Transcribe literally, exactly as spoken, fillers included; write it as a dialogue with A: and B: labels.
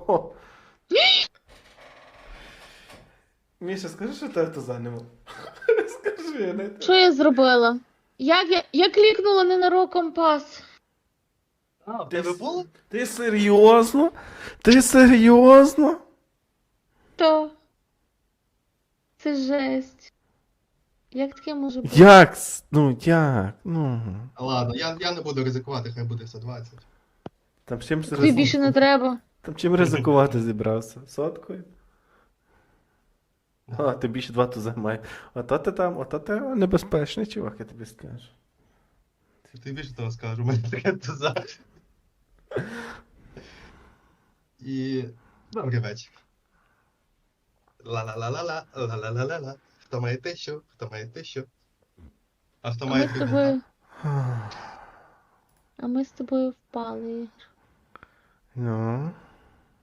A: Хо-хо. Міша, скажи, що тебе то зайняло. Скажи, я не...
B: Що я зробила? Як я, я клікнула ненароком пас.
C: А, в
A: Ти,
C: тебе
A: с-
C: було?
A: ти серйозно? Ти серйозно?
B: То. Це жесть. Як таке може бути?
A: Як? с- Ну, як? Ну.
C: Ладно, я, я не буду ризикувати, хай буде сто двадцять.
A: Там чим
B: Тобі
A: ризик...
B: більше не треба.
A: Там чим ризикувати зібрався? Соткою? А, ти більше два туза має. Ото ти там, ото ти небезпечний чувак, я тобі скажу.
C: Ти більше того скажу, у мене таке туза. І добрий вечір. Ла-ла-ла-ла-ла, ла-ла-ла-ла-ла. Хто має тисячу, хто має тисячу. А хто
B: А
C: має
B: ми з
C: дві
B: тобою. А ми з тобою впали.
A: Ну.